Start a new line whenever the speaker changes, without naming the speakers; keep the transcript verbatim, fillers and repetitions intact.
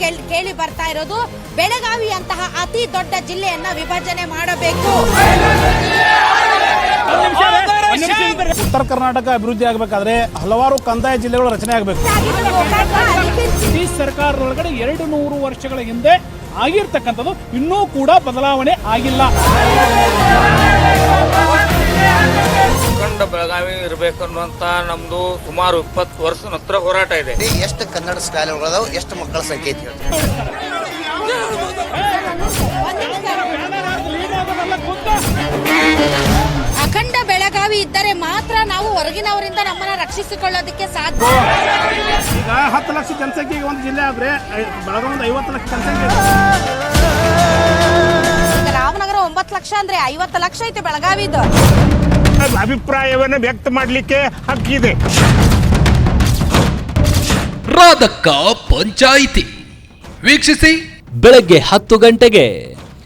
ಕೇಳಿ ಬರ್ತಾ ಇರೋದು ಬೆಳಗಾವಿಯಂತಹ ಅತಿ ದೊಡ್ಡ ಜಿಲ್ಲೆಯನ್ನ ವಿಭಜನೆ ಮಾಡಬೇಕು.
ಉತ್ತರ ಕರ್ನಾಟಕ ಅಭಿವೃದ್ಧಿ ಆಗಬೇಕಾದ್ರೆ ಹಲವಾರು ಕಂದಾಯ ಜಿಲ್ಲೆಗಳು ರಚನೆ ಆಗಬೇಕು.
ಈ ಸರ್ಕಾರದೊಳಗಡೆ ಎರಡು ನೂರು ವರ್ಷಗಳ ಹಿಂದೆ ಆಗಿರ್ತಕ್ಕಂಥದ್ದು ಇನ್ನೂ ಕೂಡ ಬದಲಾವಣೆ ಆಗಿಲ್ಲ.
ಅಖಂಡ ಬೆಳಗಾವಿ ಇರಬೇಕು ಅನ್ನುವಂತ ನಮ್ದು ಸುಮಾರು ಇಪ್ಪತ್ತು ವರ್ಷ ಹತ್ರ ಹೋರಾಟ ಇದೆ.
ಎಷ್ಟು ಕನ್ನಡ ಶಾಲೆಗಳದಾವ, ಎಷ್ಟು ಮಕ್ಕಳ ಸಂಖ್ಯೆ ಐತಿ?
ಅಖಂಡ ಬೆಳಗಾವಿ ಇದ್ದರೆ ಮಾತ್ರ ನಾವು ಹೊರಗಿನವರಿಂದ ನಮ್ಮನ್ನ ರಕ್ಷಿಸಿಕೊಳ್ಳೋದಕ್ಕೆ ಸಾಧ್ಯ.
ಈಗ ಹತ್ತು ಲಕ್ಷ ಜನಸಂಖ್ಯೆಗೆ ಒಂದು ಜಿಲ್ಲೆ ಆದ್ರೆ ಬೆಳಗಾವಿ ಒಂದು ಐವತ್ತು ಲಕ್ಷ ಜನಸಂಖ್ಯೆ.
ರಾಮನಗರ ಒಂಬತ್ತು ಲಕ್ಷ ಅಂದ್ರೆ ಐವತ್ತು ಲಕ್ಷ ಐತೆ ಬೆಳಗಾವಿದು.
ಅಭಿಪ್ರಾಯವನ್ನು ವ್ಯಕ್ತ ಮಾಡಲಿಕ್ಕೆ ಹಕ್ಕಿದೆ.
ರಾಧಕ್ಕ ಪಂಚಾಯಿತಿ ವೀಕ್ಷಿಸಿ
ಬೆಳಗ್ಗೆ ಹತ್ತು ಗಂಟೆಗೆ.